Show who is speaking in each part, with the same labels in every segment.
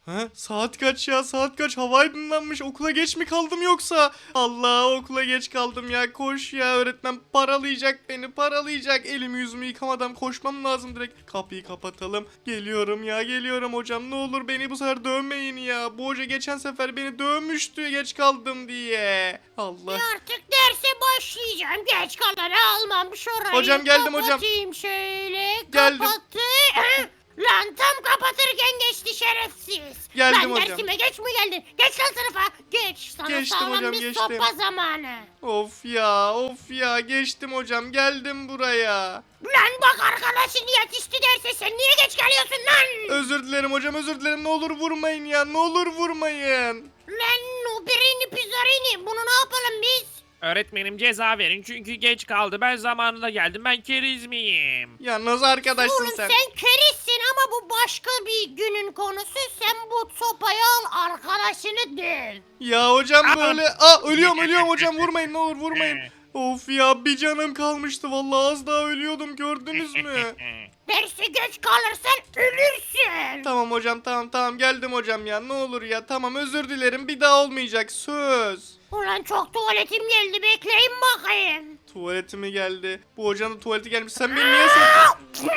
Speaker 1: Ha? Saat kaç ya? Saat kaç? Hava aydınlanmış. Okula geç mi kaldım yoksa? Allah, okula geç kaldım ya. Koş ya, öğretmen paralayacak beni, paralayacak. Elimi yüzümü yıkamadan koşmam lazım direkt. Kapıyı kapatalım. Geliyorum ya, geliyorum hocam. Ne olur beni bu sefer dövmeyin ya. Bu hoca geçen sefer beni dövmüştü geç kaldım diye. Allah.
Speaker 2: Artık derse başlayacağım. Geç kalanı almam şurayı.
Speaker 1: Hocam geldim hocam.
Speaker 2: Kapatayım şöyle.
Speaker 1: Geldim.
Speaker 2: Kapattı. Lan tam kapatırken geçti şerefsiz.
Speaker 1: Geldim
Speaker 2: Lan
Speaker 1: hocam.
Speaker 2: dersime geç mi geldin? Geç lan sınıfa. Geç. Sana
Speaker 1: Geçtim
Speaker 2: sağlam
Speaker 1: hocam,
Speaker 2: bir
Speaker 1: geçtim.
Speaker 2: sopa zamanı.
Speaker 1: Of ya, of ya, geçtim hocam, geldim buraya.
Speaker 2: Lan bak arkadaşın yetişti derse sen niye geç geliyorsun lan?
Speaker 1: Özür dilerim hocam, özür dilerim. Ne olur vurmayın ya, ne olur vurmayın.
Speaker 2: Lan o birini pizzarini bunu ne yapalım biz?
Speaker 3: Öğretmenim ceza verin çünkü geç kaldı. Ben zamanında geldim. Ben keriz miyim?
Speaker 1: Ya nasıl arkadaşsın
Speaker 2: Oğlum
Speaker 1: sen?
Speaker 2: sen kerizsin ama bu başka bir günün konusu. Sen bu sopayı al arkadaşını döv.
Speaker 1: Ya hocam
Speaker 3: Aa!
Speaker 1: böyle... Ölüyorum hocam, vurmayın, ne olur vurmayın. Of ya, bir canım kalmıştı vallahi, az daha ölüyordum, gördünüz mü?
Speaker 2: Dersi geç kalırsan ölürsün.
Speaker 1: Tamam hocam, tamam geldim hocam ya, ne olur ya, tamam özür dilerim, bir daha olmayacak, söz.
Speaker 2: Ulan çok tuvaletim geldi bekleyin bakayım.
Speaker 1: Tuvaletime geldi. Bu hocanın tuvaleti gelmiş, sen beni niye sen...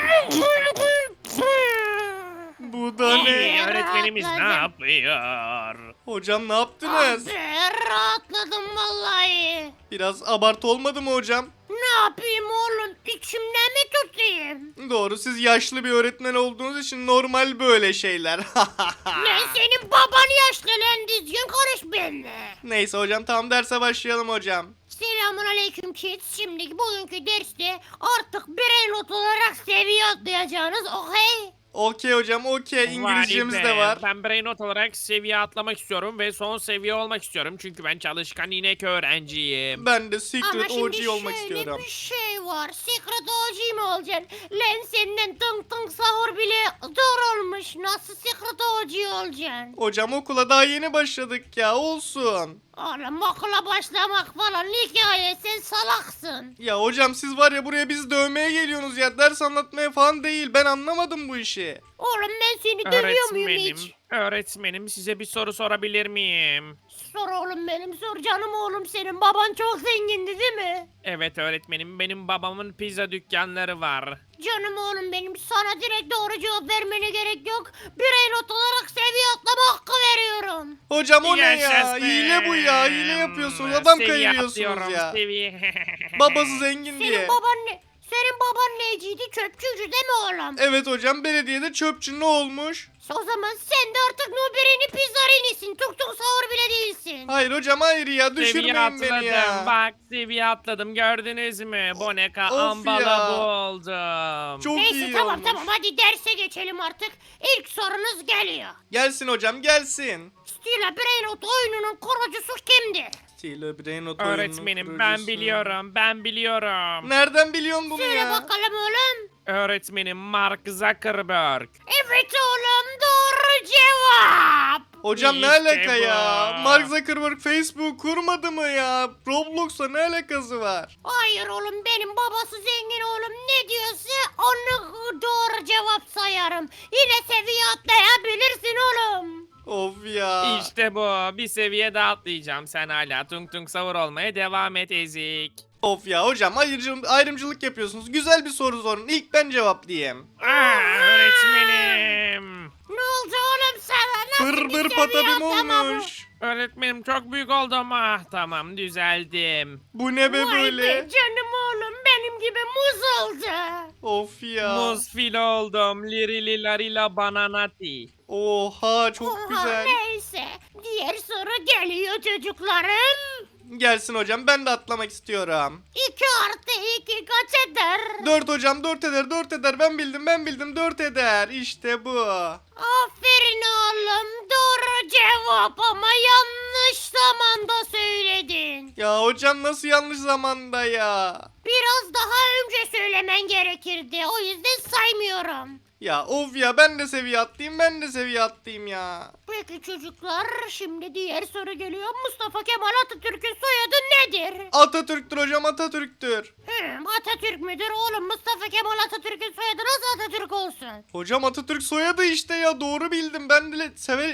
Speaker 1: Bu da ne?
Speaker 3: İyi, öğretmenimiz ne
Speaker 2: rahatladım.
Speaker 3: yapıyor?
Speaker 1: Hocam ne yaptınız?
Speaker 2: Abi rahatladım vallahi.
Speaker 1: Biraz abartı olmadı mı hocam?
Speaker 2: Ne yapayım oğlum içimde mi tutayım?
Speaker 1: Doğru, siz yaşlı bir öğretmen olduğunuz için normal böyle şeyler.
Speaker 2: Lan senin baban yaşlı lan düzgün konuş benimle.
Speaker 1: Neyse hocam, tamam derse başlayalım hocam.
Speaker 2: Selamun aleyküm kids. Şimdi bugünkü derste artık birey not olarak seviye atlayacağınız okey?
Speaker 1: Okey hocam, okey, İngilizcemiz
Speaker 3: Vay
Speaker 1: de
Speaker 3: be,
Speaker 1: var.
Speaker 3: Ben brain not olarak seviye atlamak istiyorum ve son seviye olmak istiyorum. Çünkü ben çalışkan inek öğrenciyim.
Speaker 1: Ben de
Speaker 2: Ama
Speaker 1: Secret
Speaker 2: şimdi
Speaker 1: OG olmak
Speaker 2: şöyle
Speaker 1: istiyorum.
Speaker 2: bir şey var. Secret OG mi olacaksın? Lan senden tıng tıng sahur bile zor olmuş. Nasıl Secret OG olacaksın?
Speaker 1: Hocam okula daha yeni başladık ya, olsun.
Speaker 2: Oğlum okula başlamak falan hikaye sen salaksın.
Speaker 1: Ya hocam, siz var ya, buraya bizi dövmeye geliyorsunuz ya, ders anlatmaya falan değil, ben anlamadım bu işi.
Speaker 2: Oğlum ben seni dövüyor muyum
Speaker 3: Öğretmenim,
Speaker 2: hiç?
Speaker 3: öğretmenim size bir soru sorabilir miyim?
Speaker 2: Sor oğlum benim sor canım oğlum senin baban çok zengindi değil mi?
Speaker 3: Evet öğretmenim, benim babamın pizza dükkanları var.
Speaker 2: Canım oğlum benim sana direkt doğru cevap vermene gerek yok. Birey not olarak seviye atlama hakkı veriyorum.
Speaker 1: Hocam o ne ya?
Speaker 3: Yaşasın.
Speaker 1: Hile bu ya, hile yapıyorsunuz, adam
Speaker 3: Seviye
Speaker 1: kayırıyorsunuz
Speaker 3: atlıyorum,
Speaker 1: ya.
Speaker 3: seviye.
Speaker 1: Babası zengin diye.
Speaker 2: Senin baban ne? Senin baban neciydi? Çöpçüydü değil mi oğlum?
Speaker 1: Evet hocam, belediyede çöpçü, ne olmuş?
Speaker 2: O zaman sen de artık Nubirini Pizzarini'sin. Tuk tuk sahur bile değilsin.
Speaker 1: Hayır hocam, hayır ya,
Speaker 3: Seviye
Speaker 1: düşürmeyin beni
Speaker 3: atladım.
Speaker 1: ya.
Speaker 3: Bak seviye atladım, gördünüz mü? Boneka
Speaker 1: Of
Speaker 3: ambala
Speaker 1: ya.
Speaker 3: buldum.
Speaker 1: Çok
Speaker 2: Neyse
Speaker 1: iyi
Speaker 2: tamam
Speaker 1: olmuş.
Speaker 2: tamam hadi derse geçelim artık. İlk sorunuz geliyor.
Speaker 1: Gelsin hocam, gelsin.
Speaker 2: Stila Brainrot oyununun kurucusu kimdir?
Speaker 1: Stile Brain Not oyununun
Speaker 3: Öğretmenim ben
Speaker 1: kurucusu.
Speaker 3: biliyorum.
Speaker 1: Nereden biliyorsun bunu
Speaker 2: Söyle
Speaker 1: ya?
Speaker 2: bakalım oğlum.
Speaker 3: Öğretmenim Mark Zuckerberg.
Speaker 2: Evet oğlum doğru cevap.
Speaker 1: Hocam ne
Speaker 3: İşte
Speaker 1: alaka
Speaker 3: bu.
Speaker 1: ya? Mark Zuckerberg Facebook kurmadı mı ya? Roblox'la ne alakası var?
Speaker 2: Hayır oğlum benim babası zengin oğlum ne diyorsa onu doğru cevap sayarım. Yine seviye atlayabilirsin oğlum.
Speaker 1: Of ya.
Speaker 3: İşte bu. Bir seviye daha atlayacağım. Sen hala tung tung savur olmaya devam et ezik.
Speaker 1: Of ya hocam, ayrımcılık yapıyorsunuz. Güzel bir soru sorun. İlk ben cevaplayayım.
Speaker 3: Öğretmenim.
Speaker 2: Ne oldu oğlum sana? Nasıl
Speaker 1: Bır
Speaker 2: bir
Speaker 1: bır
Speaker 2: seviye
Speaker 1: patabim
Speaker 2: atlama bu?
Speaker 1: olmuş.
Speaker 3: Öğretmenim çok büyük oldum. Ah tamam düzeldim.
Speaker 1: Bu ne be
Speaker 2: Vay
Speaker 1: böyle?
Speaker 2: be canım oğlum benim gibi muz oldu.
Speaker 1: Of ya.
Speaker 3: Muz fil oldum. Lirili larila bananati.
Speaker 1: Oha, çok
Speaker 2: Oha,
Speaker 1: güzel.
Speaker 2: neyse diğer soru geliyor çocuklarım.
Speaker 1: Gelsin hocam, ben de atlamak istiyorum.
Speaker 2: 2 artı 2 kaç eder?
Speaker 1: 4 hocam, 4 eder, 4 eder. Ben bildim, 4 eder. İşte bu.
Speaker 2: Aferin oğlum doğru cevap ama yanlış zamanda söyledin.
Speaker 1: Ya hocam, nasıl yanlış zamanda ya?
Speaker 2: Biraz daha önce söylemen gerekirdi o yüzden saymıyorum.
Speaker 1: Ya of ya, ben de seviye atlayayım ya.
Speaker 2: Peki çocuklar, şimdi diğer soru geliyor. Mustafa Kemal Atatürk'ün soyadı nedir?
Speaker 1: Atatürk'tür hocam, Atatürk'tür.
Speaker 2: Atatürk müdür oğlum? Mustafa Kemal Atatürk'ün soyadı nasıl Atatürk olsun?
Speaker 1: Hocam Atatürk soyadı işte ya, doğru bildim. Ben de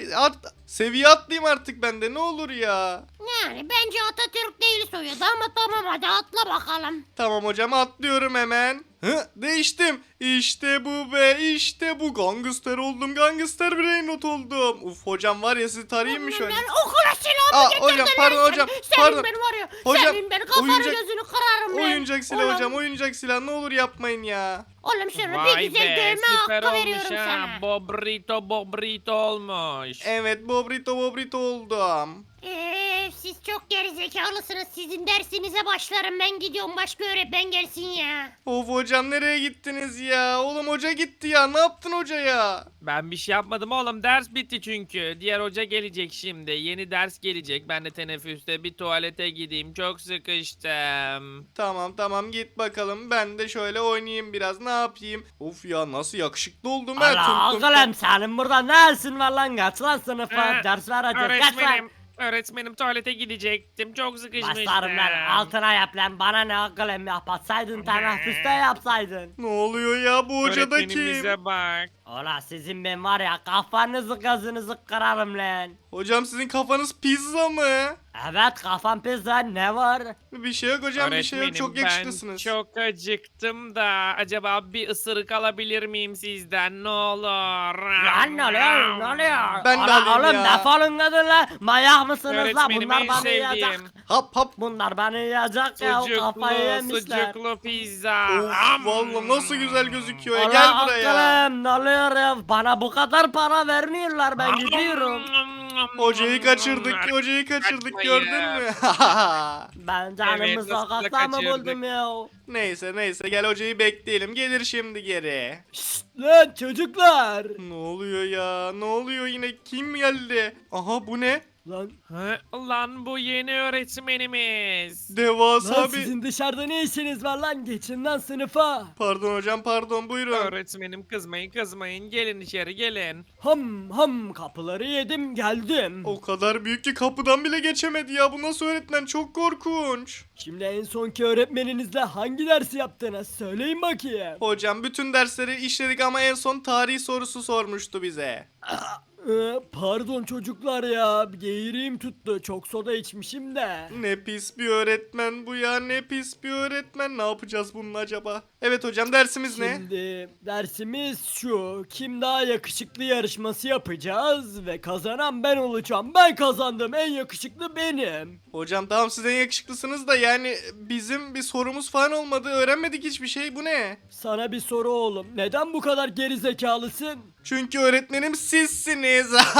Speaker 1: seviye atlayayım artık ben de, ne olur ya.
Speaker 2: Yani bence Atatürk değil soyadı ama tamam, hadi atla bakalım.
Speaker 1: Tamam hocam, atlıyorum hemen. Değiştim. İşte bu be, işte bu. Gangster oldum, gangster brainrot oldum. Uf hocam, var ya, sizi tarayayım mı şöyle?
Speaker 2: Ben okula silahımı getirdin
Speaker 1: hocam,
Speaker 2: lan
Speaker 1: pardon
Speaker 2: sen.
Speaker 1: hocam,
Speaker 2: Senin
Speaker 1: pardon.
Speaker 2: ben var ya.
Speaker 1: Hocam,
Speaker 2: Senin ben kafanı
Speaker 1: oyuncak-
Speaker 2: gözünü kırarım lan.
Speaker 1: Oyuncak silah
Speaker 2: Ulan,
Speaker 1: hocam, oyuncak silah, ne olur yapmayın ya.
Speaker 2: Oğlum şunu bir
Speaker 3: Vay
Speaker 2: güzel
Speaker 3: be
Speaker 2: dövme
Speaker 3: süper
Speaker 2: hakkı
Speaker 3: olmuş
Speaker 2: veriyorum
Speaker 3: ha.
Speaker 2: sana.
Speaker 3: Bobrito olmuş.
Speaker 1: Evet, bobrito oldum.
Speaker 2: Siz çok gerizekalısınız. Sizin dersinize başlarım. Ben gidiyorum, başka öğretmen gelsin ya.
Speaker 1: Of hocam, nereye gittiniz ya? Oğlum hoca gitti ya, ne yaptın hoca ya?
Speaker 3: Ben bir şey yapmadım oğlum, ders bitti çünkü. Diğer hoca gelecek şimdi. Yeni ders gelecek. Ben de teneffüste bir tuvalete gideyim. Çok sıkıştım.
Speaker 1: Tamam git bakalım, ben de şöyle oynayayım biraz, ne yapayım? Of ya, nasıl yakışıklı oldum ha.
Speaker 4: Allah
Speaker 1: Tum tum
Speaker 4: oğlum senin burada ne işin var lan, kaç lan sınıfa
Speaker 3: Ee,
Speaker 4: ders vereceğiz, kaç lan.
Speaker 3: Öğretmenim tuvalete gidecektim. Çok sıkışmıştım.
Speaker 4: Başlarım lan, altına yap lan, bana ne oğlum, yapatsaydın teneffüste yapsaydın.
Speaker 1: Ne oluyor ya, bu hoca da kim?
Speaker 3: Öğretmenimize bak.
Speaker 4: Ola sizin ben var ya, kafanızı gözünüzü kırarım lan.
Speaker 1: Hocam sizin kafanız pizza mı?
Speaker 4: Evet, kafam pis lan, ne var?
Speaker 1: Bir şey yok hocam, bir şey yok, çok
Speaker 3: Öğretmenim,
Speaker 1: yakışıklısınız.
Speaker 3: Ben çok acıktım da acaba bir ısırık alabilir miyim sizden, ne olur?
Speaker 4: Lan ne oluyor, ne oluyor?
Speaker 1: Ben de
Speaker 4: Ola
Speaker 1: alayım
Speaker 4: oğlum
Speaker 1: ya.
Speaker 4: defolun gidin lan, manyak mısınız lan,
Speaker 3: Öğretmenim
Speaker 4: bunlar
Speaker 3: en
Speaker 4: bana yiyecek.
Speaker 3: sevdiğim
Speaker 1: Hap.
Speaker 4: Bunlar bana yiyecek ya, kafayı yemişler.
Speaker 3: Sucuklu pizza.
Speaker 1: Of, vallahi nasıl güzel gözüküyor ya,
Speaker 4: Ola
Speaker 1: gel buraya.
Speaker 4: oğlum, ne oluyor ya? Bana bu kadar para vermiyorlar, ben gidiyorum.
Speaker 1: Hocayı kaçırdık
Speaker 3: Kaçmayın.
Speaker 1: gördün mü?
Speaker 4: Ben canımı
Speaker 3: Evet, nasıl da
Speaker 4: sokakta mı
Speaker 3: kaçırdık.
Speaker 4: buldum ya?
Speaker 1: Neyse gel, hocayı bekleyelim, gelir şimdi geri.
Speaker 4: Lan çocuklar.
Speaker 1: Ne oluyor ya, ne oluyor yine, kim geldi? Aha, bu ne?
Speaker 4: Lan,
Speaker 3: Lan bu yeni öğretmenimiz.
Speaker 1: Devasa
Speaker 4: lan
Speaker 1: bir...
Speaker 4: sizin dışarıda ne işiniz var lan? Geçin lan sınıfa.
Speaker 1: Pardon hocam, pardon, buyurun.
Speaker 3: Öğretmenim kızmayın, gelin içeri gelin.
Speaker 4: Ham kapıları yedim geldim.
Speaker 1: O kadar büyük ki kapıdan bile geçemedi ya, bu nasıl öğretmen, çok korkunç.
Speaker 4: Şimdi en sonki öğretmeninizle hangi dersi yaptınız? Söyleyin bakayım.
Speaker 1: Hocam bütün dersleri işledik ama en son tarih sorusu sormuştu bize.
Speaker 4: Pardon çocuklar ya. Geğireyim tuttu. Çok soda içmişim de.
Speaker 1: Ne pis bir öğretmen bu ya, ne pis bir öğretmen, ne yapacağız bunun acaba? Evet hocam, dersimiz ne?
Speaker 4: Şimdi dersimiz şu. Kim daha yakışıklı yarışması yapacağız ve kazanan ben olacağım. Ben kazandım. En yakışıklı benim.
Speaker 1: Hocam tamam, siz en yakışıklısınız da yani bizim bir sorumuz falan olmadı, öğrenmedik hiçbir şey, bu ne?
Speaker 4: Sana bir soru oğlum. Neden bu kadar geri zekalısın?
Speaker 1: Çünkü öğretmenim sizsiniz.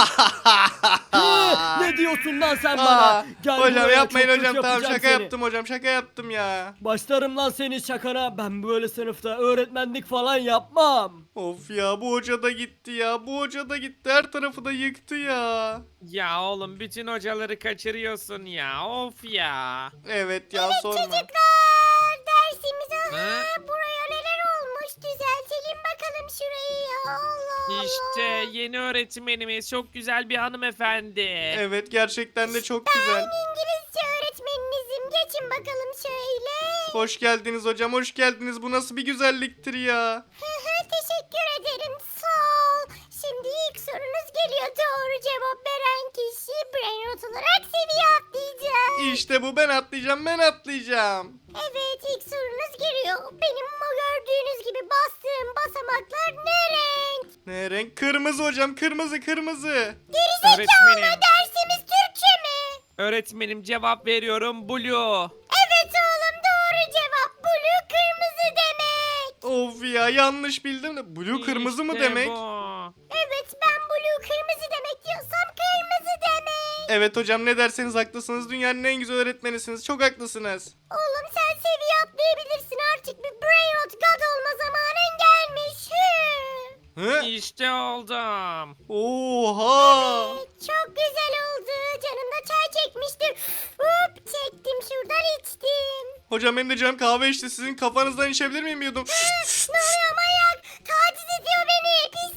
Speaker 4: Ne diyorsun lan sen
Speaker 1: Aa,
Speaker 4: bana? Gel
Speaker 1: hocam
Speaker 4: buraya,
Speaker 1: yapmayın
Speaker 4: çok
Speaker 1: hocam,
Speaker 4: kötü
Speaker 1: tamam
Speaker 4: yapacağım
Speaker 1: şaka
Speaker 4: seni.
Speaker 1: yaptım hocam, şaka yaptım ya.
Speaker 4: Başlarım lan senin şakana. Ben böyle sınıfta öğretmenlik falan yapmam.
Speaker 1: Of ya, bu hoca da gitti ya, bu hoca da gitti, her tarafı da yıktı ya.
Speaker 3: Ya oğlum bütün hocaları kaçırıyorsun ya, of ya.
Speaker 1: Evet ya, sorma.
Speaker 2: Dersimiz
Speaker 3: Ha?
Speaker 2: buraya neler olmuş, düzeltelim bakalım şurayı ya. Allah
Speaker 3: İşte yeni öğretmenimiz çok güzel bir hanımefendi.
Speaker 1: Evet, gerçekten de çok güzel.
Speaker 2: İngilizce öğretmeninizim, geçin bakalım şöyle.
Speaker 1: Hoş geldiniz hocam, hoş geldiniz, bu nasıl bir güzelliktir ya.
Speaker 2: Teşekkür ederim, sağ ol. Şimdi ilk sorunuz geliyor, doğru cevap veren kişi brainrot olarak seviye atlayacak.
Speaker 1: İşte bu, ben atlayacağım.
Speaker 2: Evet, ilk sorunuz geliyor. Benim gördüğünüz gibi bastığım basamaklar ne renk?
Speaker 1: Ne renk? Kırmızı hocam, kırmızı.
Speaker 3: Öğretmenim,
Speaker 2: Dersimiz Türkçe mi?
Speaker 3: öğretmenim cevap veriyorum, blue.
Speaker 2: Evet oğlum, doğru cevap. Blue kırmızı demek.
Speaker 1: Of ya, yanlış bildim de. Blue kırmızı mı
Speaker 3: İşte
Speaker 1: demek?
Speaker 3: bu.
Speaker 2: Evet, ben blue kırmızı demek diyorsam kırmızı demek.
Speaker 1: Evet hocam, ne derseniz haklısınız, dünyanın en güzel öğretmenisiniz, çok haklısınız.
Speaker 2: Oğlum sen seviye atlayabilirsin, artık bir brainrot god olma zamanın gelmiş.
Speaker 1: Hı?
Speaker 3: İşte oldum.
Speaker 1: Oha!
Speaker 2: Çok güzel oldu. Canım da çay çekmiştir. Hop, çektim şuradan içtim.
Speaker 1: Hocam benim de canım kahve içti, sizin kafanızdan içebilir miyim diyordum.
Speaker 2: Ne oluyor manyak? Taciz ediyor beni pislik.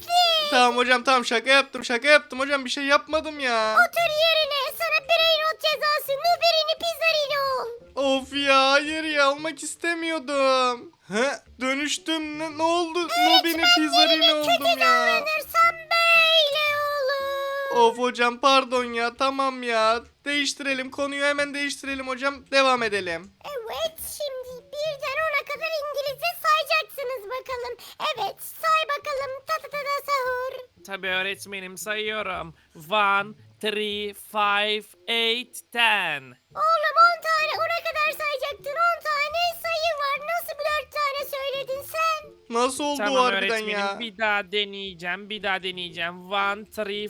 Speaker 1: Tamam hocam tamam şaka yaptım hocam bir şey yapmadım ya.
Speaker 2: Otur yerine. Sana Brainrot cezası. Nuberini Pizzarino ol.
Speaker 1: Of ya hayır ya olmak istemiyordum. Dönüştüm ne oldu? Nobini Pizzarino oldum ya.
Speaker 2: Davranırsan böyle olur.
Speaker 1: Of hocam pardon ya tamam ya. Değiştirelim konuyu hemen değiştirelim hocam devam edelim.
Speaker 2: Evet, şimdi birden 10'a kadar İngilizce sayacaksınız bakalım. Evet, say bakalım. Ta ta ta ta sahur.
Speaker 3: Tabii öğretmenim sayıyorum. 1, 3, 5, 8, 10.
Speaker 2: Oğlum 10 tane 10'a kadar sayacaktın. 10 tane sayı var. Nasıl 4 tane söyledin sen?
Speaker 1: Nasıl oldu o
Speaker 3: Tamam
Speaker 1: harbiden
Speaker 3: öğretmenim
Speaker 1: ya?
Speaker 3: bir daha deneyeceğim. 1, 2, 3, 4, 8,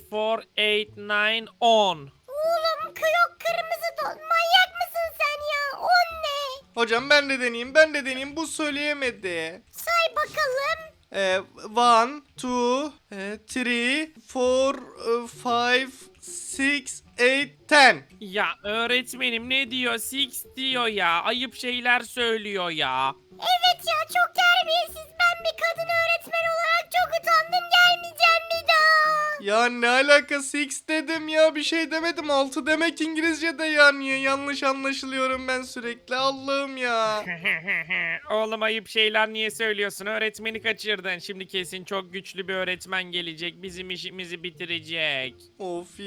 Speaker 3: 9, 10.
Speaker 2: Oğlum yok kırmızı don. Manyak mısın sen ya? 10 ne?
Speaker 1: Hocam ben de deneyeyim bu söyleyemedi.
Speaker 2: Say bakalım.
Speaker 1: 1, 2, 3, 4, 5, 6, 8, 10.
Speaker 3: Ya öğretmenim ne diyor? 6 diyor ya. Ayıp şeyler söylüyor ya.
Speaker 2: Evet ya, çok terbiyesiz. Ben bir kadın öğretmen olarak çok utandım. Gelmeyeceğim bir daha.
Speaker 1: Ya ne alaka 6 dedim ya bir şey demedim 6 demek İngilizce'de ya niye yanlış anlaşılıyorum ben sürekli Allah'ım ya.
Speaker 3: Oğlum ayıp şeyler niye söylüyorsun? Öğretmeni kaçırdın. Şimdi kesin çok güçlü bir öğretmen gelecek. Bizim işimizi bitirecek.
Speaker 1: Of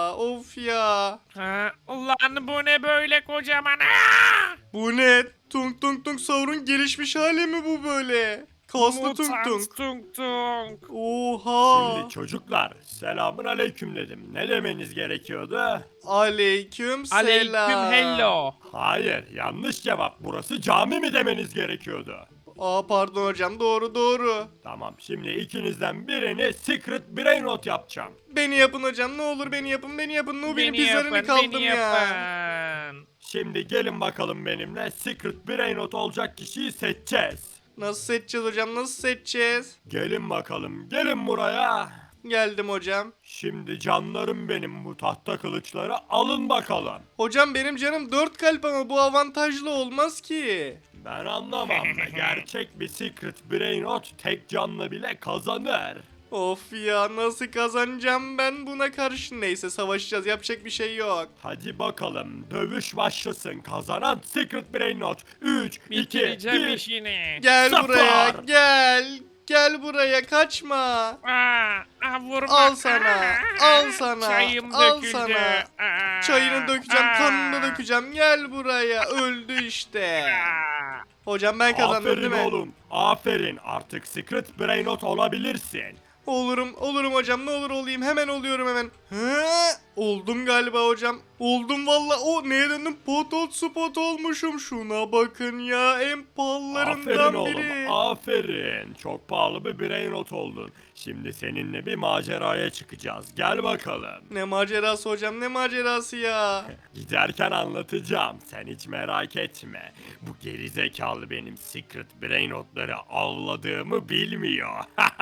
Speaker 1: ya.
Speaker 3: Ha, ulan bu ne böyle kocaman? Aa!
Speaker 1: Bu ne? Tung tung tung Saur'un gelişmiş hali mi bu böyle? Kaslı tung
Speaker 3: Mutant
Speaker 1: tung.
Speaker 3: tung tung.
Speaker 1: Oha.
Speaker 5: Şimdi çocuklar selamun aleyküm dedim. Ne demeniz gerekiyordu?
Speaker 1: Aleyküm selam.
Speaker 3: Aleyküm hello.
Speaker 5: Hayır yanlış cevap. Burası cami mi demeniz gerekiyordu?
Speaker 1: Aa pardon hocam doğru.
Speaker 5: Tamam şimdi ikinizden birini secret brain rot yapacağım.
Speaker 1: Beni yapın hocam ne olur beni yapın. Nubi'nin
Speaker 3: Beni
Speaker 1: pizzalarını
Speaker 3: yapın,
Speaker 1: kaldım
Speaker 3: beni
Speaker 1: ya.
Speaker 3: yapın.
Speaker 5: Şimdi gelin bakalım benimle secret brain rot olacak kişiyi seçeceğiz.
Speaker 1: Nasıl seçeceğiz hocam nasıl seçeceğiz?
Speaker 5: Gelin bakalım gelin buraya.
Speaker 1: Geldim hocam.
Speaker 5: Şimdi canlarım benim bu tahta kılıçları alın bakalım.
Speaker 1: Hocam benim canım 4 kalp ama bu avantajlı olmaz ki.
Speaker 5: Ben anlamam. Gerçek bir secret brain rot tek canlı bile kazanır.
Speaker 1: Of ya nasıl kazanacağım ben buna karşı neyse savaşacağız yapacak bir şey yok.
Speaker 5: Hadi bakalım dövüş başlasın. Kazanan secret brain rot. 3, 2,
Speaker 3: Bitireceğim
Speaker 5: 1.
Speaker 3: işini.
Speaker 1: Gel
Speaker 5: Zafer!
Speaker 1: buraya gel buraya kaçma.
Speaker 3: Vurma.
Speaker 1: Al sana, al sana,
Speaker 3: Çayım
Speaker 1: al
Speaker 3: döküldü.
Speaker 1: sana. Çayını dökeceğim kanını dökeceğim gel buraya öldü işte. Hocam ben kazandım değil
Speaker 5: Aferin
Speaker 1: mi?
Speaker 5: oğlum. Aferin. Artık secret brain rot olabilirsin.
Speaker 1: Olurum hocam ne olur olayım hemen oluyorum hemen. Oldum galiba hocam. Oldum valla. O neye döndüm? Pot spot olmuşum. Şuna bakın ya en
Speaker 5: Aferin
Speaker 1: pahalılarından
Speaker 5: oğlum.
Speaker 1: biri.
Speaker 5: Aferin. Çok pahalı bir brain rot oldun. Şimdi seninle bir maceraya çıkacağız. Gel bakalım.
Speaker 1: Ne macerası hocam ne macerası ya.
Speaker 5: Giderken anlatacağım. Sen hiç merak etme. Bu gerizekalı benim secret brain rotları avladığımı bilmiyor.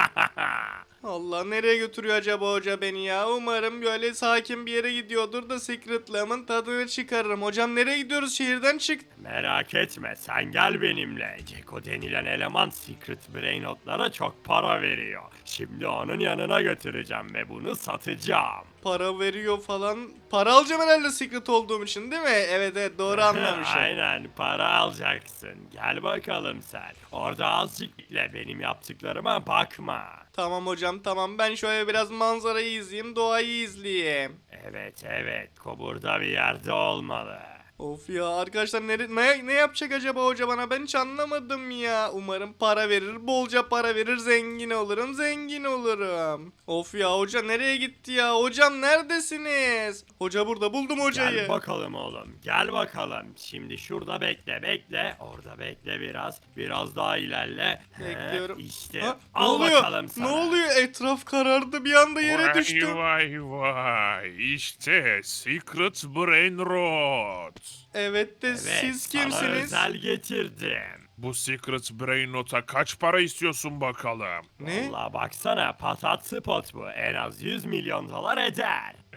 Speaker 1: Allah nereye götürüyor acaba hoca beni ya? Umarım böyle sakin bir yere gidiyordur da Secret'lamın tadını çıkarırım. Hocam nereye gidiyoruz? Şehirden çık.
Speaker 5: Merak etme sen gel benimle. Ceko denilen eleman secret brain notlara çok para veriyor. Şimdi onun yanına götüreceğim ve bunu satacağım.
Speaker 1: Para veriyor falan. Para alacağım herhalde Secret olduğum için değil mi? Evet doğru anlamışım.
Speaker 5: Aynen para alacaksın. Gel bakalım sen. Orada azıcık bekle benim yaptıklarıma bakma.
Speaker 1: Tamam hocam tamam ben şöyle biraz manzarayı izleyeyim doğayı izleyeyim.
Speaker 5: Evet burada bir yerde olmalı.
Speaker 1: Of ya arkadaşlar ne yapacak acaba hoca bana ben hiç anlamadım ya. Umarım para verir bolca para verir zengin olurum. Of ya hoca nereye gitti ya hocam neredesiniz? Hoca burada buldum hocayı.
Speaker 5: Gel bakalım oğlum gel bakalım. Şimdi şurada bekle. Orada bekle biraz. Biraz daha ilerle.
Speaker 1: Bekliyorum.
Speaker 5: İşte
Speaker 1: Ha, ne
Speaker 5: al
Speaker 1: oluyor?
Speaker 5: bakalım sana.
Speaker 1: Ne oluyor? Etraf karardı bir anda yere düştüm.
Speaker 6: Vay işte Secret Brain Rot.
Speaker 1: Evet de
Speaker 5: Evet,
Speaker 1: siz
Speaker 5: sana
Speaker 1: kimsiniz?
Speaker 5: özel getirdim.
Speaker 6: Bu Secret Brain Rot'a kaç para istiyorsun bakalım?
Speaker 1: Ne?
Speaker 5: Vallahi baksana patat spot bu. En az 100 milyon dolar eder.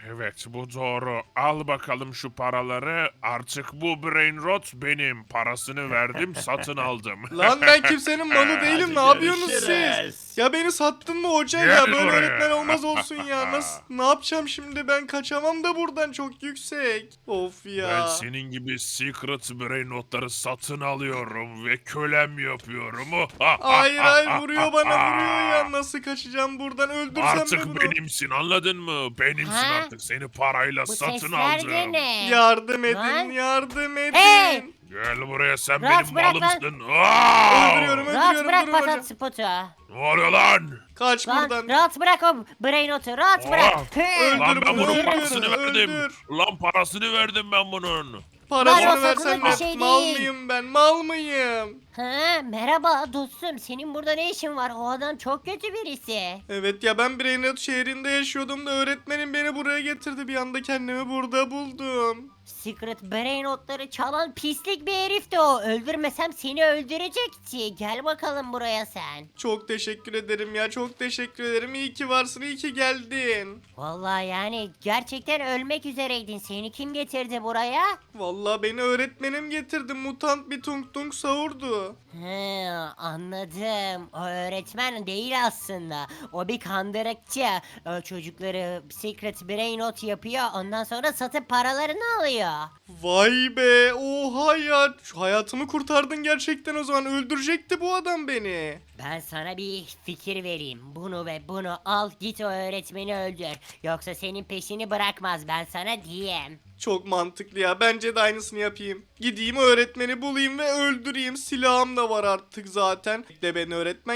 Speaker 6: Evet, bu doğru. Al bakalım şu paraları. Artık bu brain rot benim. Parasını verdim, satın aldım.
Speaker 1: Lan ben kimsenin malı değilim. Ne
Speaker 5: Hadi
Speaker 1: yapıyorsunuz
Speaker 5: görüşürüz.
Speaker 1: siz? Ya beni sattın mı hoca
Speaker 6: Gel
Speaker 1: ya? Böyle
Speaker 6: buraya.
Speaker 1: öğretmen olmaz olsun ya. Ne yapacağım şimdi? Ben kaçamam da buradan, çok yüksek. Of ya.
Speaker 6: Ben senin gibi secret brain notları satın alıyorum ve kölem yapıyorum.
Speaker 1: Hayır vuruyor bana, vuruyor ya. Nasıl kaçacağım buradan? Öldürsem mi
Speaker 6: Artık
Speaker 1: bunu?
Speaker 6: benimsin, anladın mı? Benimsin
Speaker 2: Ha?
Speaker 6: artık. Seni parayla
Speaker 2: Bu
Speaker 6: satın
Speaker 2: sesler
Speaker 6: aldım.
Speaker 2: de ne?
Speaker 1: Yardım edin,
Speaker 2: Lan.
Speaker 1: yardım edin.
Speaker 2: Hey!
Speaker 6: Gel buraya, sen
Speaker 2: Rahat
Speaker 6: benim
Speaker 2: bırak lan.
Speaker 6: malımsın. Aa!
Speaker 1: Öldürüyorum,
Speaker 2: Rahat
Speaker 1: öldürüyorum.
Speaker 2: bırak
Speaker 1: Durun hocam.
Speaker 2: patat spotu.
Speaker 6: Ne oluyor lan?
Speaker 1: Kaç
Speaker 2: Lan
Speaker 1: buradan.
Speaker 2: rahat bırak o brainotu, rahat
Speaker 6: Aa,
Speaker 2: bırak.
Speaker 1: öldür
Speaker 6: Lan ben
Speaker 1: bunu,
Speaker 6: bunun
Speaker 1: öldür,
Speaker 6: parasını verdim.
Speaker 1: öldür.
Speaker 6: Lan parasını verdim ben bunun.
Speaker 1: Parasını
Speaker 2: Lan o
Speaker 1: versen
Speaker 2: satılık
Speaker 1: ne?
Speaker 2: bir şey
Speaker 1: Mal
Speaker 2: değil.
Speaker 1: mıyım ben? Mal mıyım?
Speaker 2: Ha, merhaba dostum, senin burada ne işin var? O adam çok kötü birisi.
Speaker 1: Evet ya, ben Brainrot şehrinde yaşıyordum da öğretmenim beni buraya getirdi. Bir anda kendimi burada buldum.
Speaker 2: Secret brain notları çalan pislik bir herifti o. Öldürmesem seni öldürecekti. Gel bakalım buraya sen.
Speaker 1: Çok teşekkür ederim ya, çok teşekkür ederim. İyi ki varsın, iyi ki geldin.
Speaker 2: Vallahi yani gerçekten ölmek üzereydin. Seni kim getirdi buraya?
Speaker 1: Vallahi beni öğretmenim getirdi. Mutant bir tung tung savurdu.
Speaker 2: He, anladım. O öğretmen değil aslında. O bir kandırıkçı. O çocukları secret brain not yapıyor. Ondan sonra satıp paralarını alıyor.
Speaker 1: Vay be, oha ya. Şu hayatımı kurtardın gerçekten o zaman. Öldürecekti bu adam beni.
Speaker 2: Ben sana bir fikir vereyim. Bunu ve bunu al, git o öğretmeni öldür. Yoksa senin peşini bırakmaz, ben sana diyeyim.
Speaker 1: Çok mantıklı ya. Bence de aynısını yapayım. Gideyim öğretmeni bulayım ve öldüreyim. Silahım da var artık zaten. De ben öğretmen,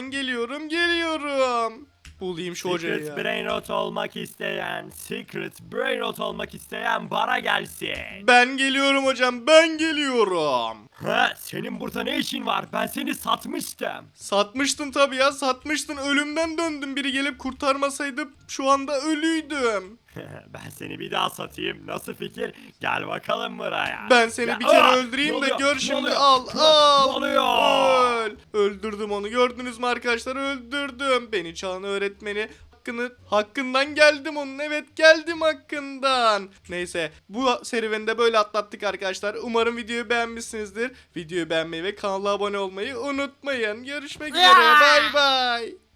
Speaker 1: geliyorum. Bulayım şu hocayı
Speaker 5: Secret
Speaker 1: ya.
Speaker 5: Brainrot olmak isteyen, Secret Brainrot olmak isteyen bana gelsin.
Speaker 1: Ben geliyorum hocam, ben geliyorum.
Speaker 5: Ha, senin burada ne işin var? Ben seni satmıştım.
Speaker 1: Satmıştın tabii ya, satmıştın. Ölümden döndüm. Biri gelip kurtarmasaydı şu anda ölüydüm.
Speaker 5: Ben seni bir daha satayım. Nasıl fikir? Gel bakalım buraya.
Speaker 1: Ben seni
Speaker 5: Ya-
Speaker 1: bir kere
Speaker 5: Aa!
Speaker 1: öldüreyim
Speaker 5: Ne
Speaker 1: de
Speaker 5: oluyor?
Speaker 1: gör
Speaker 5: Ne
Speaker 1: şimdi.
Speaker 5: oluyor?
Speaker 1: Al.
Speaker 5: Ne oluyor?
Speaker 1: Öl. Öldürdüm onu. Gördünüz mü arkadaşlar? Öldürdüm. Beni çalan öğretmeni hakkından geldim onun. Evet, geldim hakkından. Neyse, bu serüveni de böyle atlattık arkadaşlar. Umarım videoyu beğenmişsinizdir. Videoyu beğenmeyi ve kanala abone olmayı unutmayın. Görüşmek üzere. Bay bay.